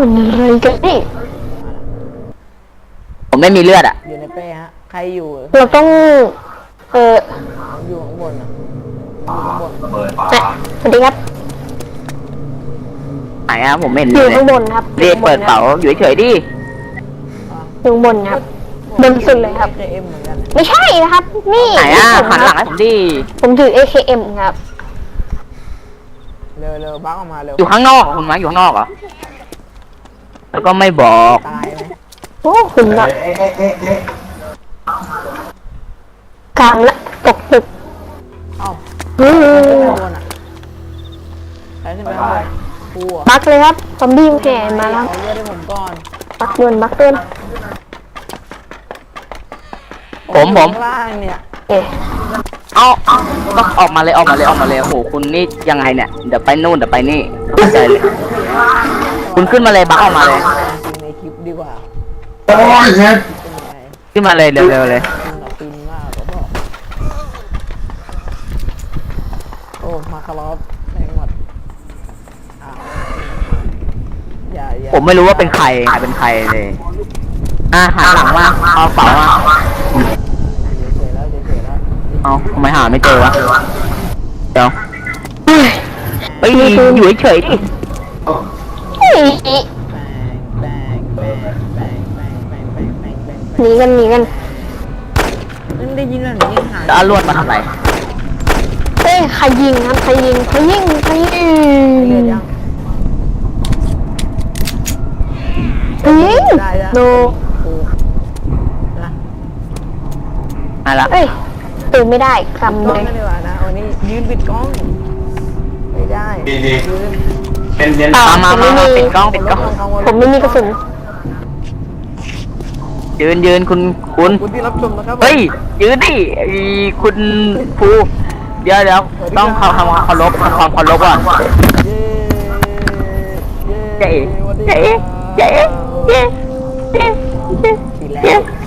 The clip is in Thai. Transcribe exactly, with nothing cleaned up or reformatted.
มันอะไรกันนี่ผมไม่มีเลือดอ่ะอยู่ในเป้ฮะใครอยู่เราต้องเอออยู่ข้างบนอ่ะอยู่ข้างบนสวัสดีครับไหนอ่ะผมไม่เห็นอยู่เลยข้างบนครับเรียกเปิดเป๋าอยู่เฉยๆดิอยู่บนครับบนสุดเลยครับไม่ใช่นะครับนี่ไหนอ่ะหันหลังให้ผมดิผมถือ เอ เค เอ็ม ครับเร็วเร็วบักออกมาเร็วอยู่ข้างนอกคุณมาอยู่ข้างนอกเหรอแล้วก็ไม่บอกตายไหมโอ้คุณแบบกลางละตกตึกเอ้าอืมใครขึ้นไปข้างบนกูอ่ะบักเลยครับซอมบี้แห่มาแล้วเอาเลือดให้ผมก่อนบักเดินบักเดินผมผมข้างล่างเนี่ยเอ๊ะเอาเอาก็ออกมาเลยออกมาเลยออกมาเลยโอ้โหคุณนี่ยังไงเนี่ยเดี๋ยวไปนู่นเดี๋ยวไปนี่เข้าใจเลยคุณขึ้นมาเลยบักออกมาเลยจริงในคลิปดีกว่าโอ้ยเฮ็ดขึ้นมาเลยเร็วๆเลยฟินมากก็บอกโอ้มาคารอฟแม่งหมดอย่าอย่าผมไม่รู้ว่าเป็นใครใครเป็นใครเลยอ่ะหันหลังมาเอาเป๋ามาเฉยแล้วเฉยแล้วเอาทำไมหาไม่เจอวะเดี๋ยวเฮ้ยอยู่เฉยๆดิหนีกันหนีกันนั่นได้ยินแล้วหนียังหายแล้วเอาลวดมาทำไรเอ้ยใครยิงครับใครยิงใครยิงใครยิงยิงโนอะไรละเอ้ยตื่นไม่ได้คำเลเลยยดีกว่านะวันนี้ยืนปิดกล้องไม่ได้ยืนเป็นเย็นมามามามาปิดกล้องปิดกล้องผมไม่มีกระสุนยืนยืนคุณคุณคุณที่รับชมนะครับเฮ้ยยืนดิไอ้คุณภูเดี๋ยวเดี๋ยวต้องทำความเคารพทำความเคารพก่อนเจ๊เจ๊เจ๊เจ๊เจ๊เจ๊เจ๊